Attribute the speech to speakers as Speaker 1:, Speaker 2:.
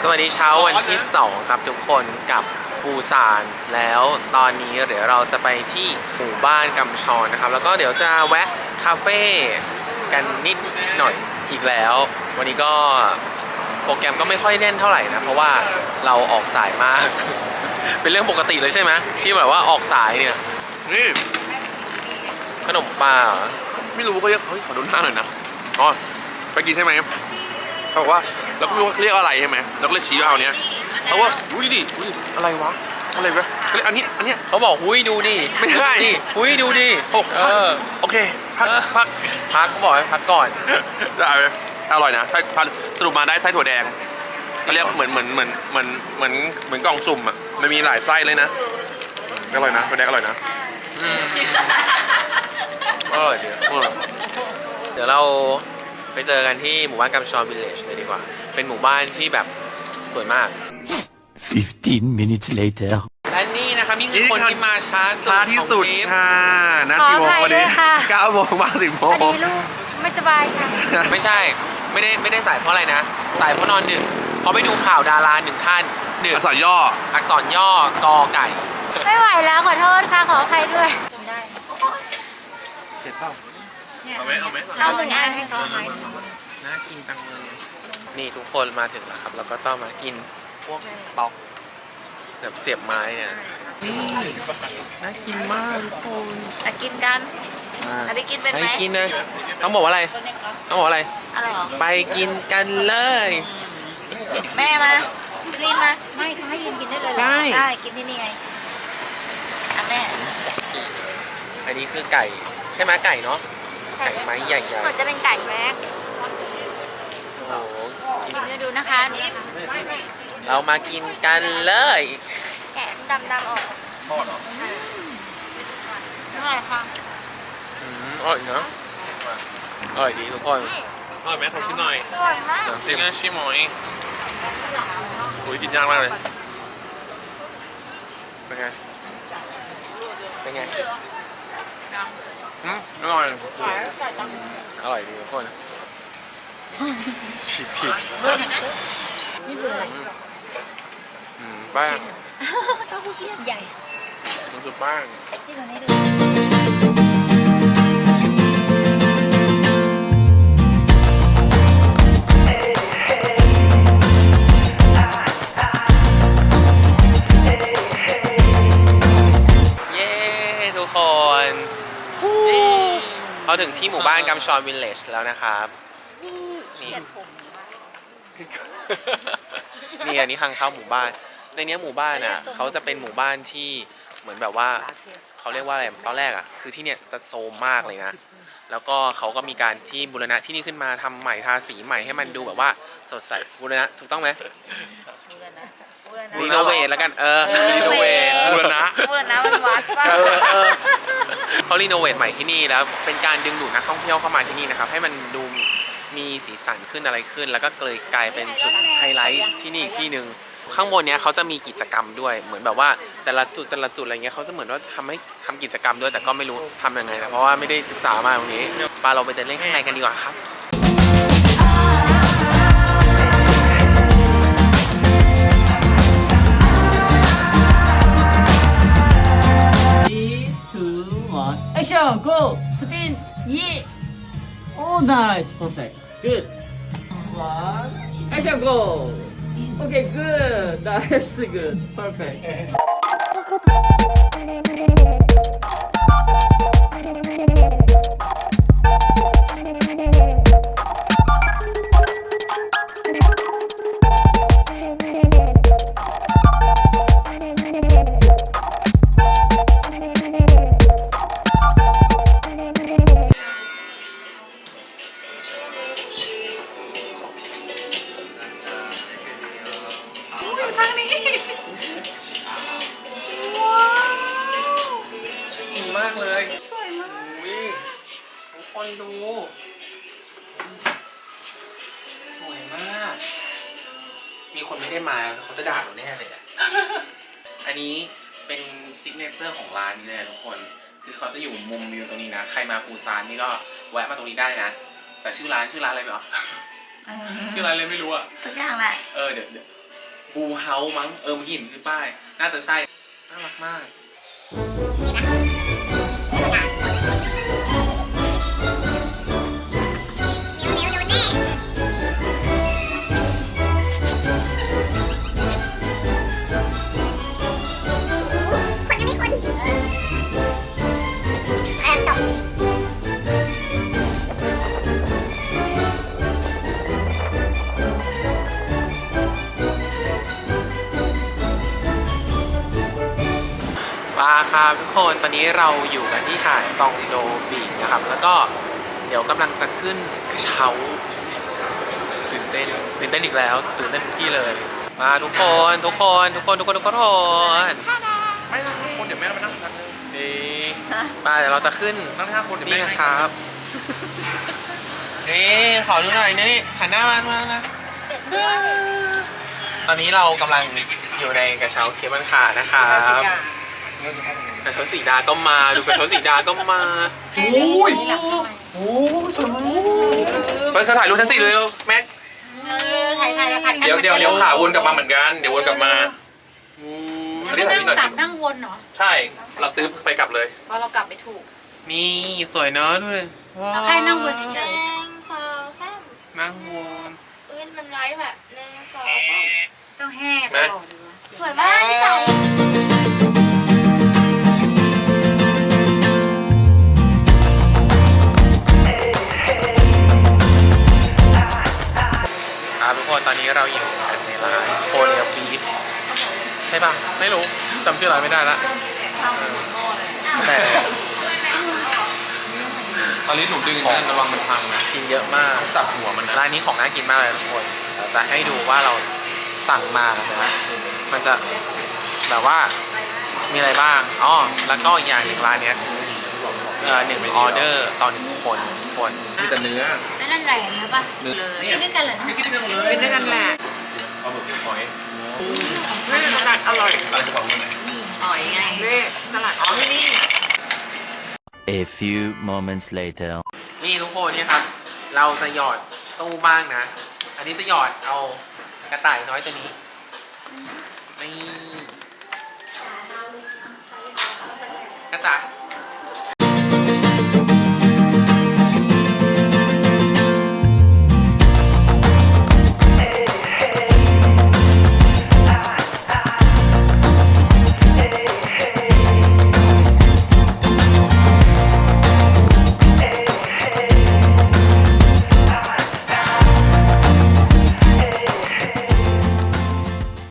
Speaker 1: สวัสดีเช้าวันที่2ครับทุกคนกับปูซานแล้วตอนนี้เดี๋ยวเราจะไปที่หมู่บ้านกำชอนนะครับแล้วก็เดี๋ยวจะแวะคาเฟ่กันนิดหน่อยอีกแล้ววันนี้ก็โปรแกรมก็ไม่ค่อยแน่นเท่าไหร่นะเพราะว่าเราออกสายมาก เป็นเรื่องปกติเลยใช่ไหมที่แบบว่าออกสายเนี่ยนี่ขนมปลาไม่รู้เขาเรียกขอดูหน้าหน่อยนะอ๋อไปกินใช่ไหมเขาบอกว่าเราก็ไม่รู้ว่าเรียกอะไรใช่ไหมเราก็เลยชี้เอาเนี้ยเขาว่าอุ้ยดิอุ้ยอะไรวะอะไรวะเขาเรียกอันนี้เขาบอกอุ้ยดูดิไม่ใช่อุ้ยดูดิโอเคพักเขาบอกให้พักก่อนได้อร่อยนะสรุปมาได้ไส้ถั่วแดงเขาเรียกเหมือนกล่องสุ่มอ่ะมันมีหลายไส้เลยนะอร่อยนะถั่วแดงอร่อยนะอร่อยดีเดี๋ยวเราไปเจอกันที่หมู่บ้านกัมชอนวิลเลจเลยดีกว่าเป็นหมู่บ้านที่แบบสวยมาก
Speaker 2: 15 minutes later
Speaker 1: และนี่นะครับนี่คือคนที่มาช้า
Speaker 3: ที่สุดค่ะนัดกี่โมงวันนี้9 โมงมา10 โมง
Speaker 4: พอดีลูกไม่สบายค่ะ
Speaker 1: ไม่ใช่ไม่ได้สายเพราะอะไรนะสายเพราะนอนดึกเพราะไปดูข่าวดาราหนึ่งท่านดึก
Speaker 3: อักษรย่
Speaker 1: กอไก่
Speaker 4: ไม่ไหวแล้วขอโทษค่ะขออภัยด้วยกินได้
Speaker 1: เสร็จเปล่า
Speaker 4: เอาหนึ่งอันให้เขาไหม
Speaker 1: น่ากินจังเลยนี่ทุกคนมาถึงแล้วครับแล้วก็ต้องมากินพวกตอกแบบเสียบไม้เนี่ยนี่น่ากินมากทุกคน
Speaker 4: กินกันอันนี้กินเป็นไหม
Speaker 1: กินนะต้องบอกว่าอะไร
Speaker 4: อะไรหรอ
Speaker 1: ไปกินกันเลย
Speaker 4: แม่มารีบมาไม่เขาให้ยืนกินได้เลยใช่กินที่นี่ไงแม่
Speaker 1: อันนี้คือไก่ใช่ไหมไก่เนาะไก่ไม้ใหญ่ๆ
Speaker 4: เหมือนจะเป็นไก่แม็ก
Speaker 1: โอ้โห
Speaker 4: กินดูนะคะ
Speaker 1: เรามากินกันเลย
Speaker 4: แกะดำออก
Speaker 1: ทอดเหรอ
Speaker 4: อร่อยค่ะ
Speaker 1: อร่อยเนาะอร่อยดีทุกคน
Speaker 3: อร่อยไหมขอชิมหน่อย
Speaker 4: อร่อยมาก
Speaker 3: จริงนะชิมหน่อยอุ้ยกินยากมากเลย
Speaker 1: เป็นไงอร่อยอร่อยดีทุกคนชิผิด
Speaker 4: นี่คืออะไร
Speaker 1: ป้า
Speaker 4: เต้าหู้เกี๊ยวใหญ่
Speaker 1: มันคือป้า
Speaker 4: ที่เราได้ดู
Speaker 1: เราถึงที่หมู่บ้านกัมชอนวิลเลจแล้วนะครับนี่อันนี้ทางเข้าหมู่บ้านในนี้หมู่บ้านอ่ะเขาจะเป็นหมู่บ้านที่เหมือนแบบว่าเขาเรียกว่าอะไรตอนแรกอ่ะคือที่เนี่ยจะโซมมากเลยนะแล้วก็เขาก็มีการที่บูรณะที่นี่ขึ้นมาทำใหม่ทาสีใหม่ให้มันดูแบบว่าสดใสบูรณะถูกต้องไหมรีโนเวทแล้วกันรีโนเวทบูรณะ
Speaker 4: มันวัดป่ะ
Speaker 1: เขารีโนเวทใหม่ที่นี่แล้วเป็นการดึงดูดนักท่องเที่ยวเข้ามาที่นี่นะครับให้มันดูมีสีสันขึ้นอะไรขึ้นแล้วก็เลยกลายเป็นจุดไฮไลท์ที่นี่อีกที่หนึ่งข้างบนเนี้ยเขาจะมีกิจกรรมด้วยเหมือนแบบว่าแต่ละจุดอะไรเงี้ยเขาจะเหมือนว่าทำกิจกรรมด้วยแต่ก็ไม่รู้ทำยังไงนะเพราะว่าไม่ได้ศึกษามาตรงนี้ปาเราไปเดินเล่นข้างในกันดีกว่าครับ
Speaker 5: Action, go, spin, yeah. Oh, nice, perfect, good. One, action, go. Okay, good, that's good, perfect.
Speaker 1: ดูสวยมากมีคนไม่ได้มาเขาจะด่าเราแน่เลยอันนี้เป็นซิกเนเจอร์ของร้านนี้เลยทุกคนคือเขาจะอยู่มุมวิวตรงนี้นะใครมาปูซานนี่ก็แวะมาตรงนี้ได้นะแต่ชื่อร้านอะไรไม่รู้ชื่อร้านเลยไม่รู้อะ
Speaker 4: ทุกอย่างแหละ
Speaker 1: เดี๋ยวบูเฮาส์มั้งเมื่อกี้เห็นขึ้นป้ายน่าจะใช่น่ารักมาก มาครับทุกคนตอนนี้เราอยู่กันที่หาดซองโดบีชนะครับแล้วก็เดี๋ยวกำลังจะขึ้นกระเช้าตื่นเต้นอีกแล้วตื่นเต้นทุกที่เลย มาทุกคนไม่นะคนเดี๋ยวแม่มานั่งกันนี่มาเดี๋ยวเราจะขึ้นนั่ง5 คนนี่นะครับนี่ขอดูหน่อยนี่หันหน้ามานะตอนนี้เรากำลังอยู่ในกระเช้าเคเบิลคาร์นะครับกระเช้าสีดาก็มาดูกระเช้าสีดาก็มาโอ้ยโอ้สวยมากไปถ่ายรูปชั้น4เลยแม็ก
Speaker 4: ถ่ายแล้วพัน
Speaker 3: เดี๋ยวขาวนกลับมาเหมือนกันเดี๋ยววนกลับมาอันนี้ถ่ายนิดหน่อย
Speaker 4: กลับนั่งวนเหรอ
Speaker 3: ใช่เราซื้อไปกลับเลย
Speaker 4: เพราะเรากลับไม่ถูก
Speaker 1: นี่สวยเนอะดูเลยว้าว
Speaker 4: เราแค่นั่งวนเฉย
Speaker 1: นั่งวน
Speaker 4: มันไลฟ์แบบ1 2ต้องแห้ตลอดเลยสวยมาก
Speaker 1: ครับทุกคนตอนนี้เราอยู่กันในร้านโคเรียบีฟใช่ป่ะไม่รู้จำชื่อร้านไม่ได้ละแต่ตอนนี้หนูดึงนะระวังมันพังนะกินเยอะมากจับหัวมันนะร้านนี้ของน่ากินมากเลยทุกคนเราจะให้ดูว่าเราสั่งมานะมันจะแบบว่ามีอะไรบ้างอ๋อแล้วก็อีกอย่างหนึ่งร้านเนี้ย1 ออเดอร์ต่อ1 คนมีแต่เนื้อ
Speaker 4: ไม่นั่นแหละนะป่ะเลยกินด้วยกันเหรอ
Speaker 3: กินด้วยกันเลย
Speaker 4: กินด้วยกันแหละ
Speaker 3: เอาหมึกหอย
Speaker 4: สลัดอร่อย
Speaker 3: อะไรจะบอกมึงไหน
Speaker 4: นี่หอยไงสลัดอ๋อนี่
Speaker 2: A few moments later.
Speaker 1: นี่ทุกคนนี่ครับ เราจะหยอดตู้บ้างนะ อันนี้จะหยอดเอากระต่ายน้อยตัวนี้นี่กระต่าย